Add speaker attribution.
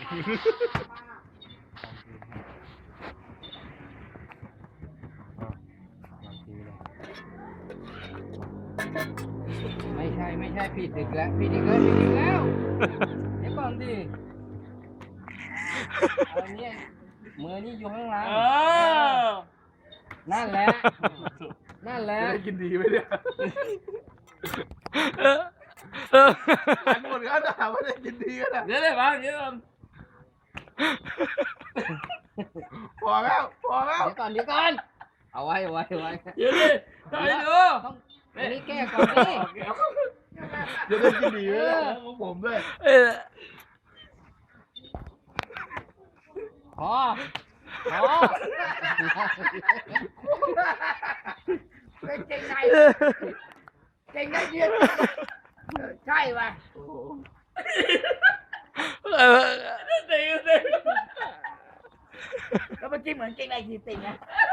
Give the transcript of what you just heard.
Speaker 1: ไม่ใช่ผิดอีกแล้วผิดอีกแล้วเดี๋ยวก่อนดิเอาเนี่ยมือนี่อยู่ข้างหลังนั่นแหละจะได้กินดีไหมเนี่ยอันหมดก็ถามว่าได้กินดีกันนะเดี๋ยวพอแล้วเดี๋ยวก่อนเอาไว้เดี๋ยวดิได้ดูอันนี้แก้ก่อนดิจะได้กินดีเลยของผมด้วยพอเก่งได้เยอะใช่ป่ะแล้วเมื่อกี้เหมือนเก่งได้ทีติงนะ